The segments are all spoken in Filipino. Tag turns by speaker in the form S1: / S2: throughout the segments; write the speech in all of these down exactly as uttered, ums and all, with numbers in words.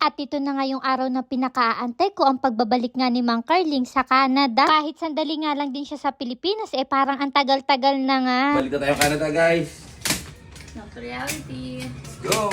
S1: At ito na nga yung araw na pinakaaantay ko, ang pagbabalik nga ni Mang Carling sa Canada. Kahit sandali nga lang din siya sa Pilipinas, eh parang ang tagal-tagal na nga.
S2: Balik na tayo Canada, guys.
S3: Not reality.
S2: Let's go!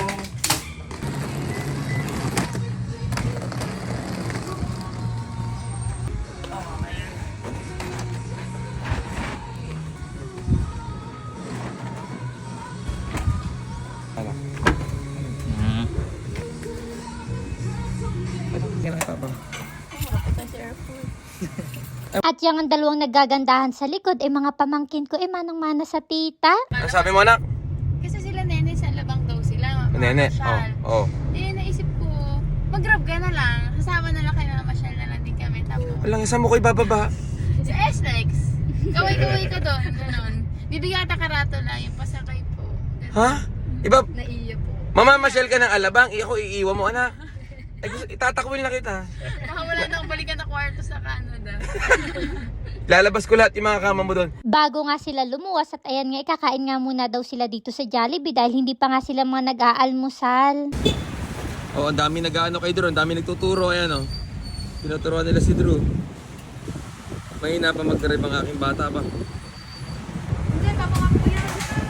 S1: At yung ang dalawang nagagandahan sa likod, eh mga pamangkin ko, eh manang-mana sa tita.
S2: Ano sabi mo, anak?
S3: Kasi sila nene sa labang daw sila.
S2: Nene? Oo. Oh, oh.
S3: Eh, naisip ko, mag-grab ka na lang. Kasama na lang kayo na masyal na lang din kami. Tapos,
S2: Walang isa mo ko ibababa.
S3: sa S-Lex. Kaway-kaway ka doon. Ganon. Bibigata karato na yung pasakay po. Ganon.
S2: Ha? Iba?
S3: Naiya po.
S2: Mama, masyal ka ng alabang. Ako iiwan mo, anak. Ay, gusto- itatakwil na kita.
S3: Baka wala nang balikan na kwarto sa Canada.
S2: Lalabas ko lahat yung mga kama mo doon.
S1: Bago nga sila lumuwas at ayan nga, ikakain nga muna daw sila dito sa Jollibee dahil hindi pa nga sila mga nag-aalmusal.
S2: Oo, oh, ang dami nag-ano kay Drew. Ang dami nagtuturo. Ayan, oh. Tinuturuan nila si Drew. Mahina pa mag-drive ang aking bata pa.
S3: Hindi, kapag ako yan.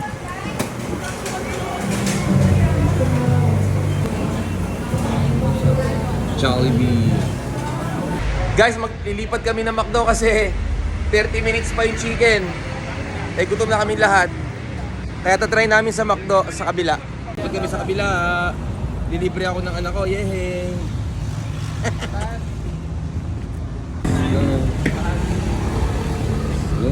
S2: Jollibee. Guys, maglilipat kami ng McDo kasi thirty minutes pa yung chicken. Eh, gutom na kami lahat. Kaya tatry namin sa McDo sa kabila. Pag kami sa kabila, dilibre ako ng anak ko. Yehey! Go. Go.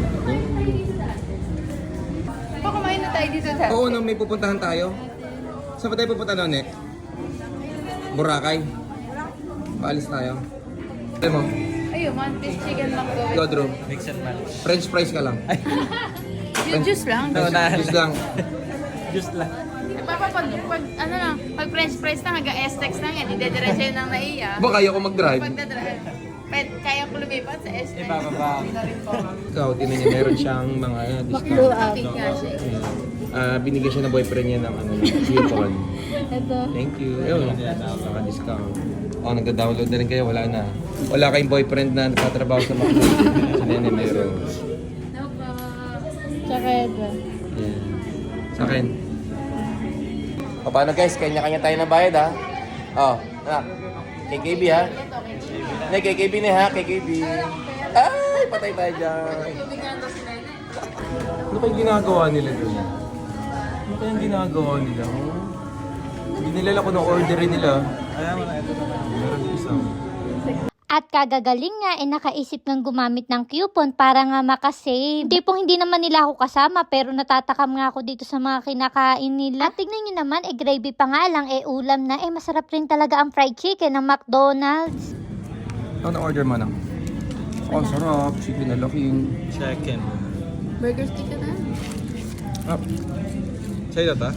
S3: Pa kumain na tayo dito sa...
S2: Oo, no, may pupuntahan tayo. Saan ba tayo pupunta noon eh? Boracay. Paalis tayo. Alam mo,
S3: Ayun, one piece chicken mango.
S2: Godro. French fries ka lang.
S3: Yung juice lang.
S2: French lang.
S3: Papa, pag, pag, ano lang, pag french fries lang, hanggang S-Tex lang yan, idediretso yun ng naiya.
S2: Ba, kaya ko mag-drive?
S3: Pag dadrive, pwede, kaya ko lumipat sa S-Tex.
S2: Ikaw, tinan niya, meron siyang mga uh, discount.
S3: Kapit nga siya.
S2: Ah, binigyan siya ng boyfriend niya ng ano, coupon.
S3: Ito.
S2: Thank you. Ayun, naka-discount. Oh, nagda-download na rin kayo, wala na. Wala kayong boyfriend na nagtatrabaho sa McDo. Si Nene meron.
S3: No po.
S1: Tsaka ito.
S2: Yan. Sa akin. O paano guys, kanya-kanya tayo na bayad ha. Oh, anak. K K B ha. Hindi, K K B na ha, K K B. Ay, patay tayo dyan.
S3: Bibigyan daw si Nene.
S2: Ano kayong ginagawa nila doon? Ano kayong ginagawa nila? Oh? Hindi nila ko ng orderin nila. Ay, wala ito na. Meron isang.
S1: At kagagaling nga, eh nakaisip ng gumamit ng coupon para nga makasave. Hindi po hindi naman nila ako kasama pero natatakam nga ako dito sa mga kinakain nila. At tignan nyo naman, eh gravy pa nga lang, eh ulam na, eh masarap rin talaga ang fried chicken ng McDonald's.
S2: Ano order mo na? Oh, sarap. Chicken na laking.
S4: Chicken.
S3: Burger stick ka na?
S2: Ah. Sa'yo na ta?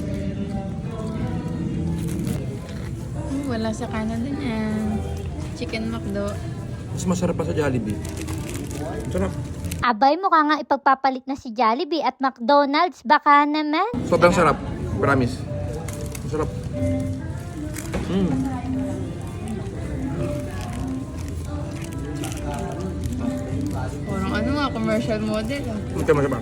S3: Hmm, wala sa Canada niyan. Chicken McDo.
S2: Mas masarap pa sa Jollibee. Sarap.
S1: Abay, mukha nga ipagpapalit na si Jollibee at McDonald's, baka naman.
S2: Sobrang sarap. Promise. Masarap. Mm.
S3: Parang ano nga, commercial model. ah.
S2: Ito masarap.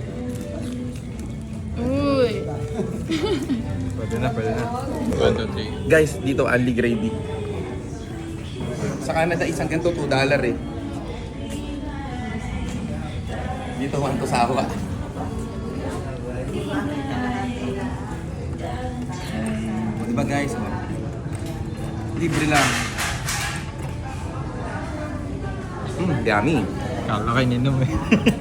S3: Uy!
S4: Pwede na, pwede na. One, two, three.
S2: Guys, dito only gravy. Sa Canada, isang ganito two dollar eh. Dito, one to sawa. O, diba guys? O. Libre lang. Hmm, yummy.
S4: Kala kayo ninom eh.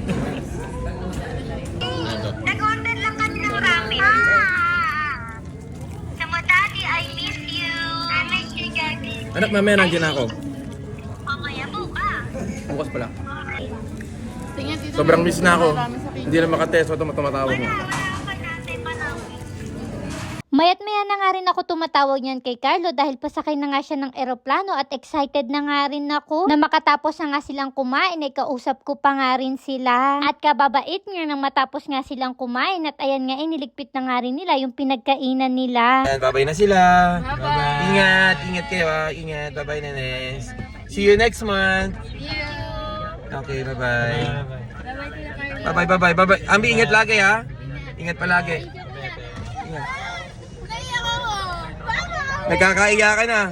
S5: Nag-order lang kami ng ramen. Ah! Sama daddy, I miss you. I miss you, daddy.
S2: Anak, mamaya nandiyan ako.
S5: Mamaya bukas.
S2: Bukas pala.
S3: Tingnan dito.
S2: Sobrang miss na ako.
S3: Marami sa
S2: Hindi na makatest. Ito tumatawag mo.
S5: Wala, wala ka natin panahon.
S1: Mayat maya na nga rin ako tumatawag niyan kay Carlo dahil pasakay na nga siya ng eroplano at excited na nga rin ako na makatapos na nga silang kumain ay kausap ko pa nga rin sila. At kababait nga nang matapos nga silang kumain at ayan nga iniligpit na nga rin nila yung pinagkainan nila.
S2: Ayan, babay na sila.
S3: Bye-bye.
S2: Ingat, ingat kayo ha. Ingat, bye-bye Nenes. See you next month.
S3: See you.
S2: Okay, bye-bye.
S3: Bye-bye, Tita Carla.
S2: Bye-bye, bye-bye, bye-bye. Ambi, ingat lagi ha. Ingat palagi. Ingat.
S3: Naiyak ako. Bye-bye.
S2: Nagkakaiya ka na.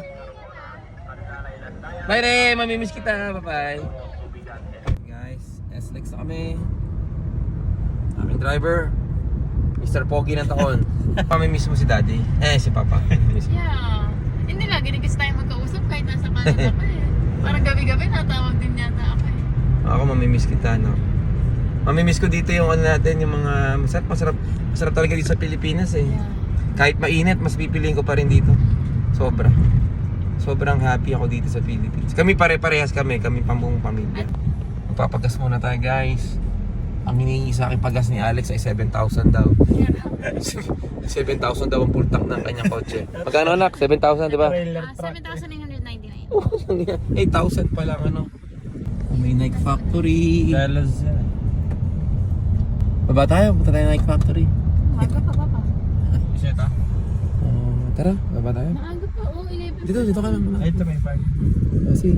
S2: Bye Re, mamimiss kita. Bye-bye. Guys, S L X na kami. Aming driver, Mister Pogi ng taon. Mamimiss mo si Daddy. Eh, si Papa. Miss mo.
S3: Yeah. Hindi lagi rin kasi tayo magkausap kahit nasa Canada ka eh. Parang gabi-gabi natawag din yata ako eh.
S2: Ako mamimiss kita, no? Mamimiss ko dito yung ano natin, yung mga masarap, masarap, masarap talaga dito sa Pilipinas eh.
S3: Yeah.
S2: Kahit mainit, mas pipiliin ko pa rin dito. Sobra. Sobrang happy ako dito sa Philippines. Kami pare-parehas kami, kami pambuong pamilya. Magpapagas muna tayo guys. Ang hinihingi sa akin pagas ni Alex ay seven thousand daw. seven thousand daw ang full tank ng kanyang kotse. Magkano anak? seven thousand, di ba?
S3: Ah, seven thousand nine hundred ninety-nine.
S2: eight thousand pa lang ano. May Nike Factory.
S4: Dalas yan.
S2: Baba tayo, punta tayo Nike Factory.
S3: Maaga pa, papa.
S4: Siya ta?
S2: Uh, tara, baba tayo.
S3: Maaga pa, oh, eleven.
S2: Dito, dito ka lang.
S4: Ay, ito may park.
S2: Kasi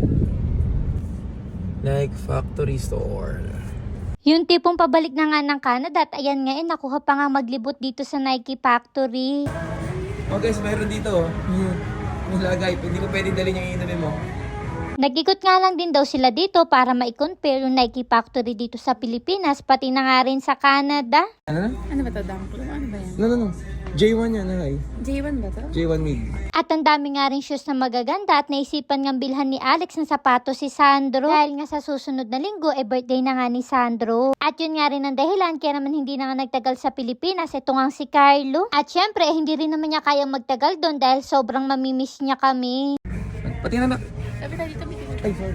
S2: Nike Factory Store.
S1: Yung tipong pabalik na nga ng Canada at ayan nga eh, nakuha pa nga maglibot dito sa Nike Factory.
S2: Oh guys, mayroon dito. May lagay, hindi ko pwedeng dalhin yung inumin mo.
S1: Nag-ikot nga lang din daw sila dito para ma-compare yung Nike Factory dito sa Pilipinas pati na nga rin sa Canada.
S2: Ano na?
S3: Ano ba ito, Damplo? Ano ba yan?
S2: No, no, no. J one yan, ay.
S3: J one ba ito?
S2: J one mid.
S1: At ang dami nga rin shoes na magaganda at naisipan nga bilhan ni Alex ng sapatos si Sandro. Dahil nga sa susunod na linggo, eh birthday na nga ni Sandro. At yun nga rin ang dahilan kaya naman hindi na nga nagtagal sa Pilipinas. Ito nga si Carlo. At syempre, eh, hindi rin naman niya kayang magtagal doon dahil sobrang mamimiss niya kami.
S2: Pati na anak.
S3: Sabi tayo dito, dito.
S2: Ay, sorry.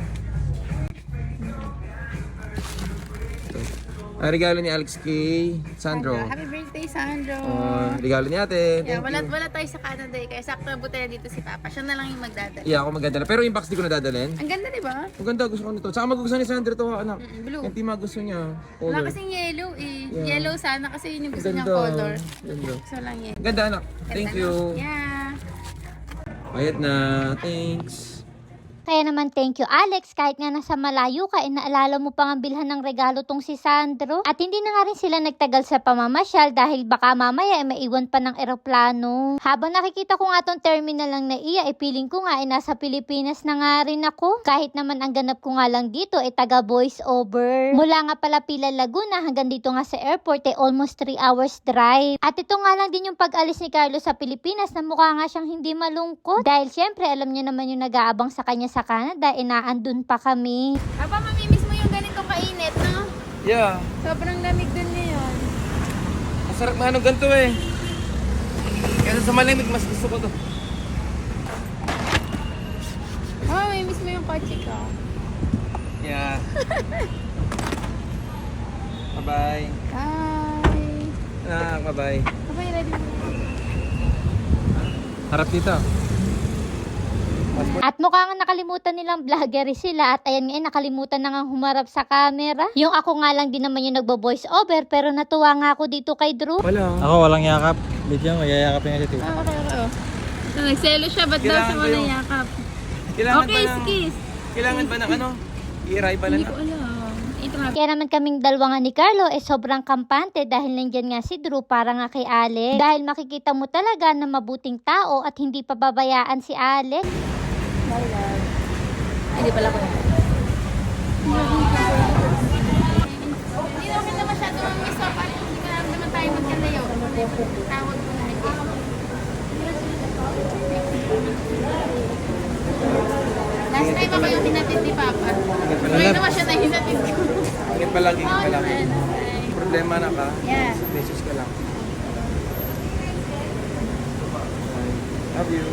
S2: Ah, regalo ni Alex kay Sandro.
S3: Happy birthday, Sandro.
S2: Oh, regalo ni ate.
S3: Yeah,
S2: Thank
S3: wala,
S2: you.
S3: wala tayo sa Canada eh. Kaya sakto na buti na dito si Papa. Siya na lang yung magdadala.
S2: Yeah, ako magdadala. Pero yung box di ko nadadalhin.
S3: Ang ganda, di ba?
S2: Ang ganda, gusto ko nito. Saka magugustuhan ni Sandro to, anak.
S3: Mm, blue.
S2: Yung tima gusto niya.
S3: Wala
S2: Color.
S3: kasing yellow eh.
S2: Yeah.
S3: Yellow sana kasi yun yung gusto
S2: Ganda.
S3: niyang color.
S2: Ganda.
S3: Gusto lang yellow.
S2: Ganda, anak. Thank
S3: Ganda,
S2: you.
S3: no? Yeah.
S2: Bayad na. Thanks.
S1: Kaya naman thank you Alex, kahit nga nasa malayo ka, eh, naalala mo pang ang bilhan ng regalo tong si Sandro. At hindi na nga rin sila nagtagal sa pamamasyal dahil baka mamaya eh, maiwan pa ng eroplano. Habang nakikita ko nga tong terminal lang na iya, eh piling ko nga eh nasa Pilipinas na nga rin ako. Kahit naman ang ganap ko nga lang dito eh taga voice over. Mula nga pala Pila Laguna hanggang dito nga sa airport eh almost three hours drive. At ito nga lang din yung pag-alis ni Carlo sa Pilipinas na mukha nga siyang hindi malungkot. Dahil syempre alam niya naman yung nag-aabang sa kanya sa Canada, inaandun pa kami.
S3: Papa, mamimiss mo yung ganitong kainit, no?
S2: Yeah.
S3: Sobrang lamig dun ngayon.
S2: Masarap na ano ganito eh. Kaya sa malamig, mas gusto ko to.
S3: Oh, mamimiss mo yung kotse ko.
S2: Yeah. Bye-bye.
S3: Bye.
S2: Ah, bye-bye.
S3: Bye, ready mo.
S2: Harap dito.
S1: At mukha nga nakalimutan nilang vlogger sila at ayan nga eh, nakalimutan na nga humarap sa camera. Yung ako nga lang din naman yung nagbo-voice over pero natuwa nga ako dito kay Drew.
S2: Wala.
S4: Ako walang yakap. Bigyan mo, yayakapin nga si Tito.
S3: Ah, okay, okay. So, nagselo siya, ba't daw
S2: Kailangan
S3: sa
S2: ko
S3: wala
S2: yung-
S3: yakap?
S2: Kailangan
S3: Okay,
S2: ba ng,
S3: skis.
S2: Kailangan ba ng ano? I-arrive ba
S3: Hindi
S2: na?
S3: ko alam. Ito nga.
S1: Kaya naman kaming dalawa nga ni Carlo eh sobrang kampante dahil nandyan nga si Drew para nga kay Alex. Dahil makikita mo talaga na mabuting tao at hindi pababayaan si Alex.
S3: Hindi pala ko. Hindi naman na masyado ang miss up. Parang hindi ka naman tayo magkalayo. Tawag ko na. Last time ako yung hinatid ni Papa. Ngayon naman siya na hinatid ko.
S2: Ingat pa lang, ingat pa
S3: Oo
S2: lang.
S3: naman.
S2: Problema na ka.
S3: Yeah.
S2: Message ka lang. Love you.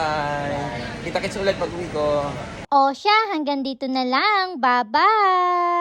S2: Bye! Kita-kits ulit pag uwi ko.
S1: O siya, hanggang dito na lang. Bye-bye!